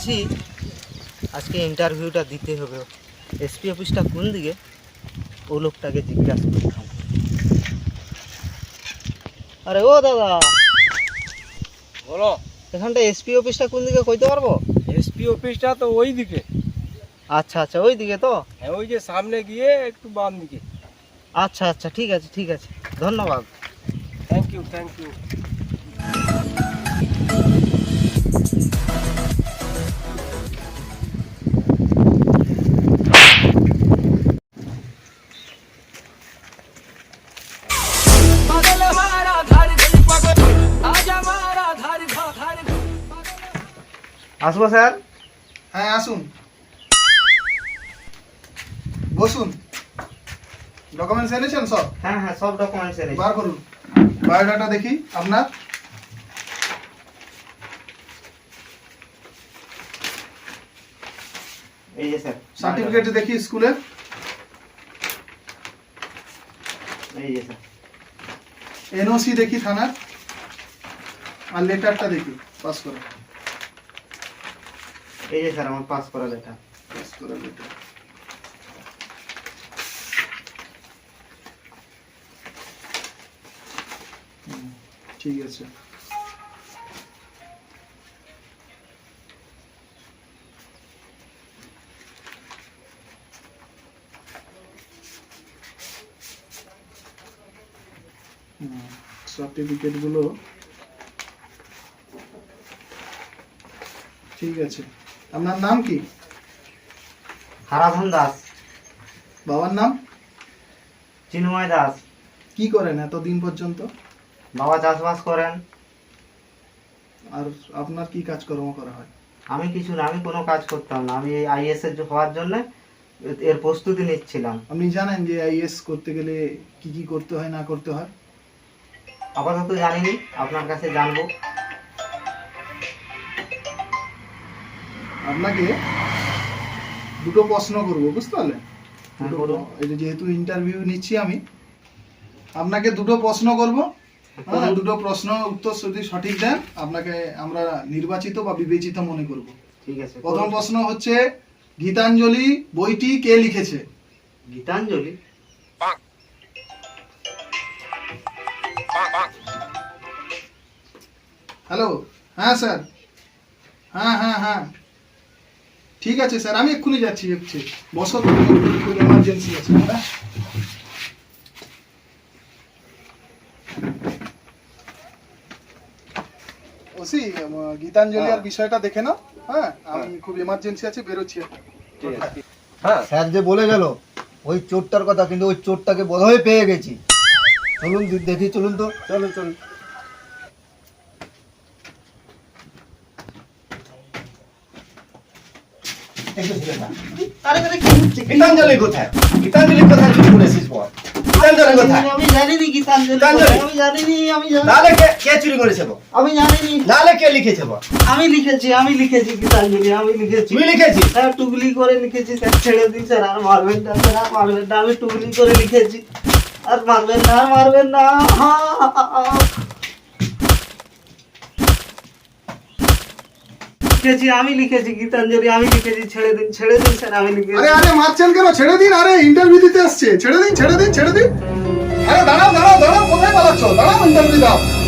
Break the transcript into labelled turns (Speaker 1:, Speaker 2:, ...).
Speaker 1: ভাবছি আজকে ইন্টারভিউটা দিতে হবে। এসপি অফিসটা কোন দিকে, ও লোকটাকে জিজ্ঞাসা করতাম। আরে ও দাদা,
Speaker 2: বলো।
Speaker 1: এখানটা এসপি অফিসটা কোন দিকে কইতে পারবো?
Speaker 2: এসপি অফিসটা তো ওই দিকে।
Speaker 1: আচ্ছা আচ্ছা, ওই দিকে তো।
Speaker 2: হ্যাঁ, ওই যে সামনে গিয়ে একটু বাম দিকে।
Speaker 1: আচ্ছা আচ্ছা, ঠিক আছে ঠিক আছে, ধন্যবাদ।
Speaker 2: Thank you thank you.
Speaker 1: আসবো স্যার?
Speaker 3: হ্যাঁ আসুন, বসুন। ডকুমেন্টস এনেছেন সব?
Speaker 1: হ্যাঁ হ্যাঁ, সব ডকুমেন্টস এনেছি।
Speaker 3: বার করুন, বায়োডাটা দেখি আপনার।
Speaker 1: এই যে স্যার
Speaker 3: সার্টিফিকেট দেখি স্কুলের।
Speaker 1: এই যে স্যার
Speaker 3: এনওসি দেখি থানার, আর লেটারটা দেখি পাস করা।
Speaker 1: এই যে স্যার আমার পাস করা লেখা।
Speaker 3: পাস করা লেটার। ঠিক আছে। সার্টিফিকেট গুলো ঠিক আছে। আপনার নাম কি?
Speaker 1: হারাধন দাস।
Speaker 3: বাবার নাম?
Speaker 1: চিন্ময় দাস।
Speaker 3: কি করেন এতদিন পর্যন্ত?
Speaker 1: বাবা চাষবাস করেন।
Speaker 3: আর আপনার কি কাজকর্ম করা হয়?
Speaker 1: আমি কিছু না, আমি কোনো কাজ করতাম না। আমি এই আইএস এর হওয়ার জন্য এর প্রস্তুতি নিচ্ছিলাম।
Speaker 3: আপনি জানেন যে আইএস করতে গেলে কি কি করতে হয় না করতে হয়?
Speaker 1: আপাতত জানিনি, আপনার কাছে জানবো।
Speaker 3: আপনাকে দুটো প্রশ্ন করব, বুঝতে পারলেন?
Speaker 1: হ্যাঁ, বলুন।
Speaker 3: এই যে যেহেতু ইন্টারভিউ নিচ্ছি আমি, আপনাকে দুটো প্রশ্ন করব। হ্যাঁ, দুটো প্রশ্ন উত্তর যদি সঠিক দেন আপনাকে আমরা নির্বাচিত বা বিবেচিত মনে করব।
Speaker 1: ঠিক আছে।
Speaker 3: প্রথম প্রশ্ন হচ্ছে, গীতাঞ্জলি বইটি কে লিখেছে?
Speaker 1: গীতাঞ্জলি?
Speaker 3: হ্যালো, হ্যাঁ স্যার, হ্যাঁ হ্যাঁ হ্যাঁ, ঠিক আছে স্যার, আমি এক্ষুনি যাচ্ছি। বসো, খুব এমার্জেন্সি আছে। হ্যাঁ, ওসি গীতাঞ্জলি আর বিষয়টা দেখে নাও। হ্যাঁ, আমি খুব এমার্জেন্সি আছে, বেরোচ্ছি।
Speaker 2: হ্যাঁ,
Speaker 4: স্যার যে বলে গেল ওই চোরটার কথা, কিন্তু ওই চোরটাকে বোধহয় পেয়ে গেছি। চলুন দেখি, চলুন তো।
Speaker 2: চলুন চলুন।
Speaker 4: গীতাঞ্জলি কোথায়? গীতাঞ্জলি কোথায় চুরি করেছিস বল? গীতাঞ্জলি কোথায়?
Speaker 1: আমি জানিনি গীতাঞ্জলি।
Speaker 4: গীতাঞ্জলি?
Speaker 1: আমি জানিনি।
Speaker 4: নালে কে চুরি করেছে বল?
Speaker 1: আমি জানিনি।
Speaker 4: নালে কে লিখেছে বল?
Speaker 1: আমি লিখেছি গীতাঞ্জলি, আমি লিখেছি।
Speaker 4: তুই লিখেছিস?
Speaker 1: স্যার টুকলি করে লিখেছি স্যার, ছেড়ে দিন স্যার, আর মারবেন না স্যার, আর মারবেন না। আমি টুকলি করে লিখেছি, আর মারবেন না, আর মারবেন না। আমি লিখেছি গীতাঞ্জলি, আমি লিখেছি। ছেড়ে দিন স্যার, আমি লিখেছি।
Speaker 3: আরে আরে, মারছেন কেন? ছেড়ে দিন। আরে ইন্টারভিউ দিতে আসছে, ছেড়ে দিন। আরে দাঁড়াও, কোথায় পালাচ্ছ? দাঁড়াও, ইন্টারভিউ দাও।